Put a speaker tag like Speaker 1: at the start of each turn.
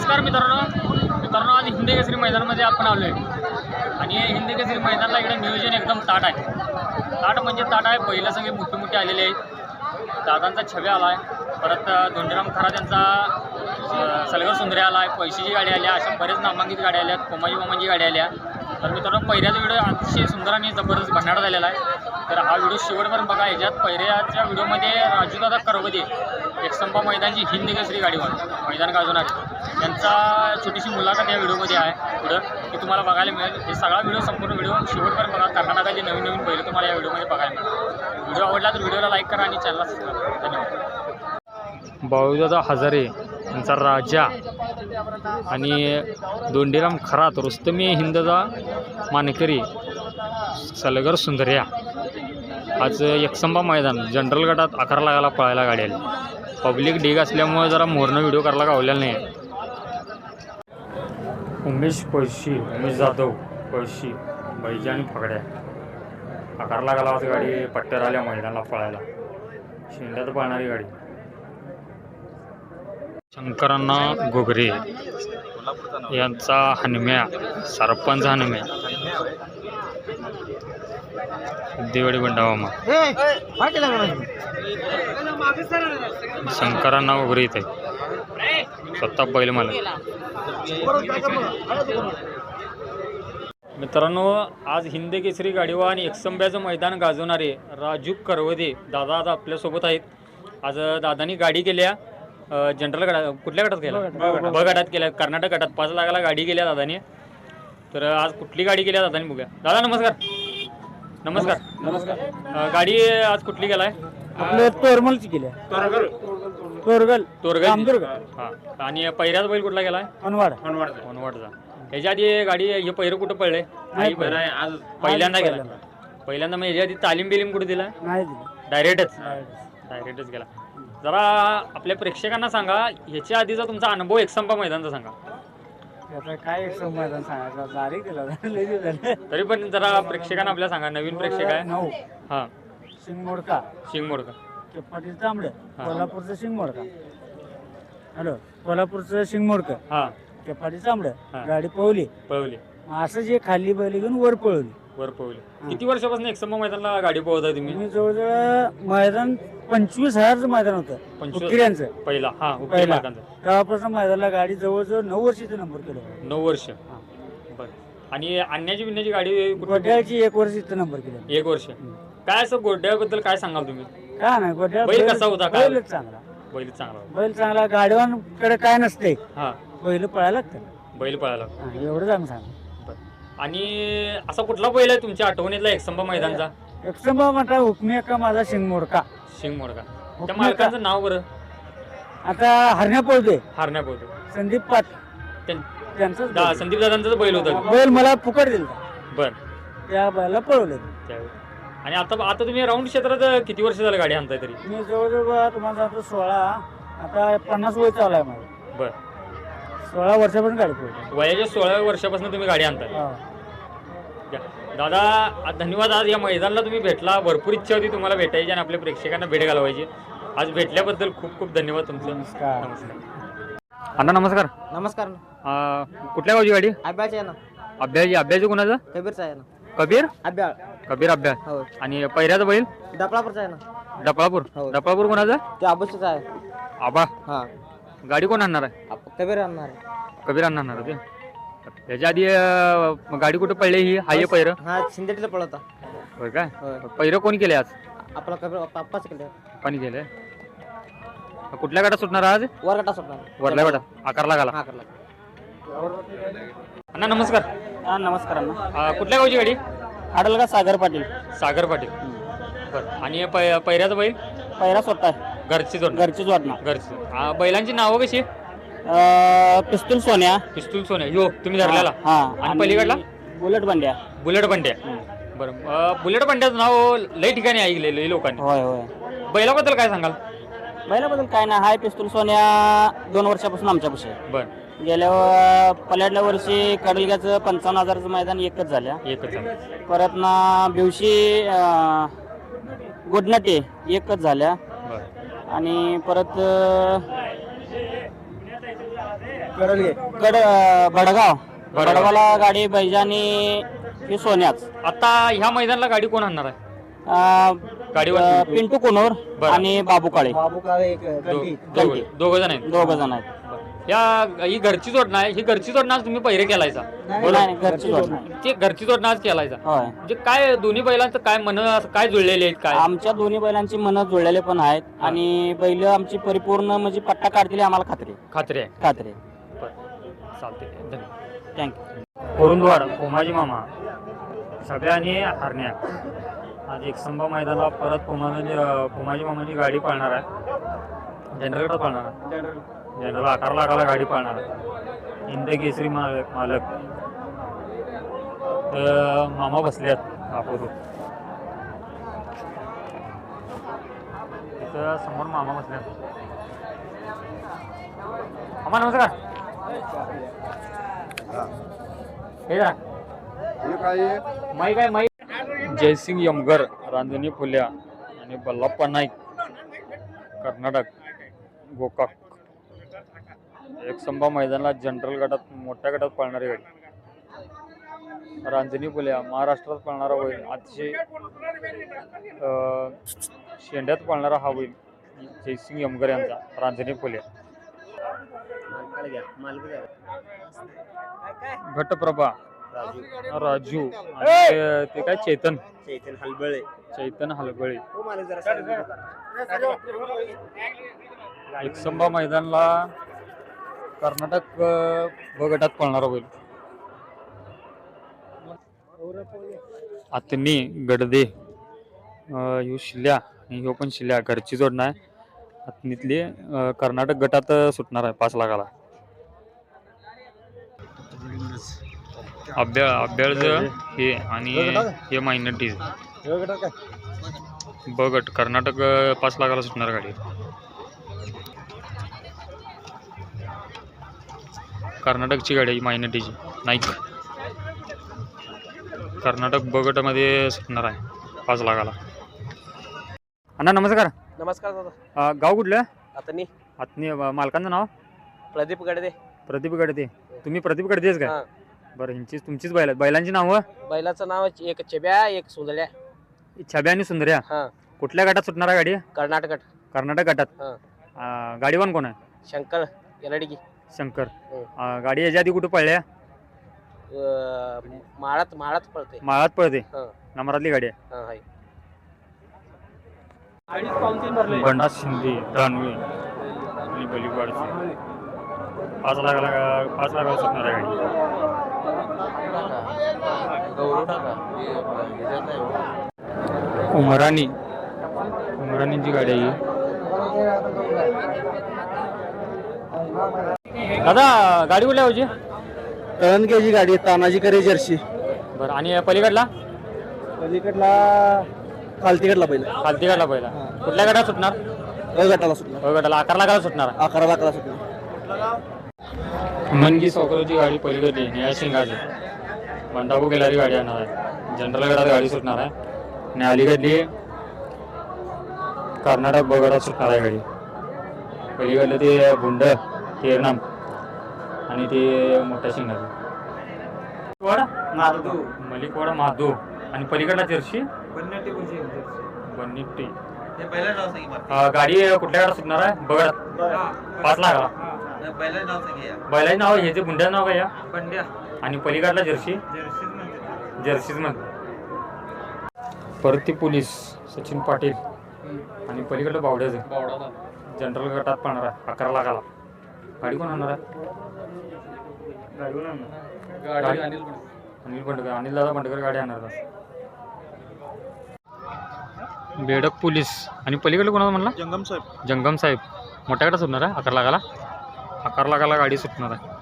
Speaker 1: नमस्कार मित्रांनो आज हिंदी केसरी मैदानामध्ये आपण आलो आहे आणि हिंदी केसरी मैदानाला इकडे नियोजन एकदम ताट आहे. ताट म्हणजे ताट आहे. पहिलं सगळे मोठे मोठे आलेले आहेत. दादांचा छबी आला आहे, परत धोंडीराम खरा त्यांचा सलगर सुंदरे आला आहे, पैशीची गाडी आली, अशा बरेच नामांकित गाड्या आल्या, कोमाजी मामांची गाडी आल्या. तर मित्रांनो पहिल्याचा व्हिडिओ अतिशय सुंदर आणि जबरदस्त भन्नाट झालेला आहे. तर हा व्हिडिओ शेवटपर्यंत बघा. ह्याच्यात पहिल्याच्या व्हिडिओमध्ये राजूदादा करवदे एकसंपा मैदानची हिंदी केसरी गाडीवर मैदान गाजवणार त्यांचा छोटीशी मुलाखत या व्हिडिओमध्ये आहे पुढं की तुम्हाला बघायला मिळेल. हे सगळा व्हिडिओ संपूर्ण व्हिडिओ शेवटपर्यंत बघा. कर्नाटकाचे नवीन नवीन बैल तुम्हाला या व्हिडिओमध्ये बघायला मिळेल. व्हिडिओ आवडला तर व्हिडिओला लाईक करा आणि चॅनलला सबस्क्राईब करा. धन्यवाद. बाळूदादा हजारे यांचा राजा आणि धोंडीराम खरात रुस्तमी हिंदचा मानकरी सलगर सुंदर्या आज एकसंबा मैदान जनरल गटात आकार लागायला पळायला गाडी आली. पब्लिक ढीग असल्यामुळे जरा मोरनं व्हिडिओ करायला गावलेला नाही. उमेश पळशी, उमेश जाधव पळशी, बैजा आणि फगड्या आकार लागायला आज गाडी पट्ट्यावर आल्या मैदानाला पळायला. शेंड्यात पळणारी गाडी. शंकरांना गोगरे यांचा हनम्या, सरपंच हनम्या, देवडी बंडावामा, शंकरांना वगैरे इथे स्वतः बैल मला. मित्रांनो आज हिंदी केसरी गाडीवा आणि एकसंब्याचं मैदान गाजवणारे राजू करवदे दादा आज आपल्यासोबत आहेत. आज दादानी गाडी केल्या जनरल गटात, कुठल्या गटात केल्या? ब गटात केल्या, कर्नाटक गटात 5 लाखाला गाडी केल्या दादानी. तर आज कुठली गाडी केल्या दादानी बघूया. दादा नमस्कार. नमस्कार. नमस्कार. गाडी आज कुठली केलाय?
Speaker 2: आपल्या तोरमलची केली. तोरगल.
Speaker 1: हां. आणि पहिल्याच बैल कुठला गेलाय? अनवाडचा. ह्याच्या आधी गाडी हे पहिरं कुठं पडलंय? आज पहिल्यांदा गेला. पहिल्यांदा मग ह्याच्या आधी तालीम बिलीम कुठे दिला? डायरेक्टच गेला. जरा आपल्या प्रेक्षकांना सांगा ह्याच्या आधीचा तुमचा अनुभव एकसंपा मैदानचा सांगा.
Speaker 2: काय एकसंपा मैदान सांगायचं
Speaker 1: तरी पण जरा प्रेक्षकांना आपल्या सांगा. नवीन प्रेक्षक आहे. हां.
Speaker 2: शिंगमोडका पाटील तांबडे, कोल्हापूरचं शिंगमोडका. हॅलो, कोल्हापूरचं शिंगमोडका. हां. ते पाटील तांबडे गाडी पळवली. असं जे खाली बैल घेऊन वर पळवली.
Speaker 1: किती वर्षापासून एकसंपा मैदानाला गाडी पळवताय तुम्ही?
Speaker 2: मी जवळजवळ मैदान 25,000चं मैदान होतं उकिऱ्यांचं
Speaker 1: पहिला. हा,
Speaker 2: तेव्हापासून मैदानाला गाडी जवळजवळ 9 वर्षाचा नंबर केला.
Speaker 1: 9 वर्ष. बरं. आणि आणण्याची बिण्याची गाडी
Speaker 2: गोड्याची 1 वर्ष इथं नंबर केला.
Speaker 1: 1 वर्ष. काय असं गोड्याबद्दल काय सांगाल तुम्ही?
Speaker 2: काय नाही, गोड्या
Speaker 1: बैल कसा होता?
Speaker 2: बैलच चांगला. बैल चांगला. गाडीवानकडे काय नसते. हा, बैल पळायला लागतं.
Speaker 1: बैल पळायला
Speaker 2: एवढं चांगलं सांगा.
Speaker 1: आणि असा कुठला बैल आहे तुमच्या आठवणीतला एकसंपा मैदानचा?
Speaker 2: एकसंपा म्हणता हुकमी का माझा शिंगमोडका.
Speaker 1: त्या मालकाचं नाव बरं?
Speaker 2: आता हरण्या पळतोय. संदीप पाट त्यांचं
Speaker 1: संदीप दादांचा बैल होता.
Speaker 2: बैल मला फुकट दिला.
Speaker 1: बर.
Speaker 2: त्या बैला पळवले.
Speaker 1: आणि आता तुम्ही राऊंड क्षेत्रात किती वर्ष झालं गाडी आणताय तरी?
Speaker 2: मी जवळजवळ तुम्हाला सांगतो 16, आता 50 वय चालू आहे माझं.
Speaker 1: बर.
Speaker 2: 16 वर्षापासून गाडी पळवली.
Speaker 1: वयाच्या 16व्या वर्षापासून तुम्ही गाडी आणताय. दादा धन्यवाद. आज या मैदानाला तुम्ही भेटला. भरपूर इच्छा होती तुम्हाला भेटायची आणि आपल्या प्रेक्षकांना भेट घालवायची. आज भेटल्याबद्दल खूप खूप धन्यवाद तुमचं.
Speaker 2: नमस्कार.
Speaker 1: अण्णा नमस्कार.
Speaker 2: नमस्कार.
Speaker 1: कुठल्या गावची गाडी?
Speaker 2: अभ्याची आहे ना.
Speaker 1: अभ्याची कोणाचं?
Speaker 2: कबीरचा आहे ना.
Speaker 1: कबीर अभ्या. आणि पहिल्याचा बैल
Speaker 2: डपळापूरचा आहे ना.
Speaker 1: डपळापूर कोणाचा?
Speaker 2: ते आबूचा आहे.
Speaker 1: आबा.
Speaker 2: हा.
Speaker 1: गाडी कोण आणणार आहे?
Speaker 2: कबीर आणणार.
Speaker 1: होते. त्याच्या आधी गाडी कुठं पडली ही? हाय पहिरं?
Speaker 2: हा, शिंदेटीला पळवता.
Speaker 1: होय काय? पहिरं कोणी केले आज?
Speaker 2: आपला कबीर पप्पाच केलं.
Speaker 1: कोणी केलंय? कुठल्या गाडा सुटणार आज?
Speaker 2: वरगटा सुटणार.
Speaker 1: वरल्या गाडा आकार लागाला. अण्णा नमस्कार.
Speaker 2: हा, नमस्कार अण्णा.
Speaker 1: कुठल्या गावची गाडी?
Speaker 2: आडलगा सागर पाटील.
Speaker 1: बरं. आणि पहिऱ्याचा बैल?
Speaker 2: पहिरा स्वतः
Speaker 1: घरची
Speaker 2: जोडणार.
Speaker 1: बैलांची नावं कशी?
Speaker 2: पिस्तूल सोन्या.
Speaker 1: यो तुम्ही धरलेला. आणि पलीकडला? बुलेट बंड्या. बरं. बुलेट बंड्याचं नाव लई ठिकाणी ऐकलेलं लोकांनी.
Speaker 2: होय.
Speaker 1: बैलाबद्दल काय सांगाल?
Speaker 2: बैलाबद्दल काय नाही. हाय पिस्तूल सोन्या 2 वर्षापासून आमच्यापाशी.
Speaker 1: बरं.
Speaker 2: गेल्या पल्याडल्या वर्षी कडलग्याचं 55,000चं मैदान एकच झालं. परत ना बिवशी गुडनटे एकच झाल्या. आणि परत
Speaker 3: भडगाव भडगावला गाडी बैजानी हे सोन्याच.
Speaker 1: आता ह्या मैदानाला गाडी कोण आणणार आहे? गाडीवर
Speaker 3: पिंटू कोनोर आणि बाबू काळे
Speaker 1: दोघ जण आहेत.
Speaker 3: दोघ जण आहेत.
Speaker 1: ही घरची जोडणं आहे. ही घरची जोडणं आज तुम्ही पहिरे केलायचा?
Speaker 3: घरची जोडणं.
Speaker 1: ते घरची जोडणं आज केलायचा.
Speaker 3: होय.
Speaker 1: म्हणजे काय दोन्ही बैलांचं काय मन काय जुळलेले आहेत काय?
Speaker 3: आमच्या दोन्ही बैलांची मन जुळलेले पण आहेत आणि बैल आमची परिपूर्ण म्हणजे पट्टा काढतील आम्हाला खात्री आहे.
Speaker 1: चालते, धन्यवाद.
Speaker 3: थँक्यू.
Speaker 1: कोरुंदवाड कोमाजी मामा सगळ्यांनी हरण्या आज एकसंबा मैदानाला परत कोमाजी मामाची गाडी पाळणार आहे. जनरल पाळणार आहे. जनरल 11 लाखाला गाडी पाळणार आहे. हिंद केसरी मालक तर मामा बसल्यात आपण तिथं समोर मामा बसल्यात. मामा नमस्कार. हे जा माई काय माई जयसिंग यमगर रांजणी फुल्या आणि बल्लाप्पा नाईक कर्नाटक गोकाक एकसंबा मैदानाला जनरल गटात मोठ्या गटात पळणारी गाडी. रांजणी फुल्या महाराष्ट्रात पळणारा होईल. अतिशय शेंड्यात पळणारा हा होईल जयसिंग यमगर यांचा रांजणी फुल्या. घटप्रभा राजू आणि ते काय चैतन हलबळे एकसंबा मैदानाला कर्नाटक ब गटात पळणार होईल. आतनी गडदे ह्यो शिल्या आणि ह्यो पण शिल्या घरची जोडणं आहे. आतनीतली कर्नाटक गटात सुटणार आहे 5 लाखाला. अभ्याळज हे आणि हे मायनॉरिटीज ब गट कर्नाटक 5 लाखाला सुटणार गाडी. कर्नाटकची गाडी आहे मायनॉरिटीची नाईक. कर्नाटक ब गटामध्ये सुटणार आहे 5 लाखाला. अण्णा नमस्कार.
Speaker 4: नमस्कार दादा.
Speaker 1: गाव कुठलं?
Speaker 4: आतनी
Speaker 1: मालकांचं नाव?
Speaker 4: प्रदीप गडदे.
Speaker 1: प्रदीप गडदे. तुम्ही प्रदीप गडदेच काय? बरं ह्यांची तुमचीच बैल आहेत. बैलांची नावं?
Speaker 4: बैलाचं नाव एक चेब्या एक सुंदड्या.
Speaker 1: छब्या आणि सुंदर्या. कुठल्या गटात सुटणार आहे गाडी? कर्नाटक गटात. गाडीवान कोण आहे?
Speaker 4: शंकर येलडगी.
Speaker 1: शंकर. गाडी याच्या आधी कुठे पळल्या? माळात पळते. नंबरातली गाडी आहे. बंडा शिंदे दानवे आणि बलिवाडचे 5 लाखाला सुटणार आहे गाडी. उमराणींची गाडी आहे. दादा गाडी कुठल्या होती?
Speaker 3: तळणकेची गाडी तानाजी करे जर्सी.
Speaker 1: बरं आणि पलीकडला
Speaker 3: खालतीकडला
Speaker 1: पहिला कुठल्या गटात सुटणार?
Speaker 3: गटाला सुटणार.
Speaker 1: गटाला 11 लाखाला सुटणार.
Speaker 3: 11 लाखाला सुटणार.
Speaker 1: मनगी सौकरची गाडी पलीकडली निळ्या शिंगाची बंडाबू गेलारी गाडी आणणार आहे. जनरल गटात गाडी सुटणार आहे आणि अलीकडली कर्नाटक ब गटात सुटणार आहे गाडी. पलीकडलं ते गुंड तेरनाम आणि ते मोठ्या शिंगाची मलिकवाडा महादू आणि पलीकडला जर्सी बन्निट्टी. गाडी कुठल्या गाडा सुटणार आहे? बघा 5 लाखाला. बैलाचे नाव हे जे बुंड्याचं नाव काय? बंड्या. आणि पलीकडला जर्सीज मध्ये परती पोलीस सचिन पाटील आणि पलीकडलं बावड्याचं जनरल गटात पळणार आहे 11 लाखाला. गाडी कोण आणणार आहे? अनिल बंडकर. अनिल दादा बंडकर गाडी आणणार आहे. बेडक पोलीस आणि पलीकडलं कोणाला म्हणला? जंगम साहेब मोठ्या गटात सुटणार आहे 11 लाखाला. 11 लाखाला गाडी सुटणार आहे.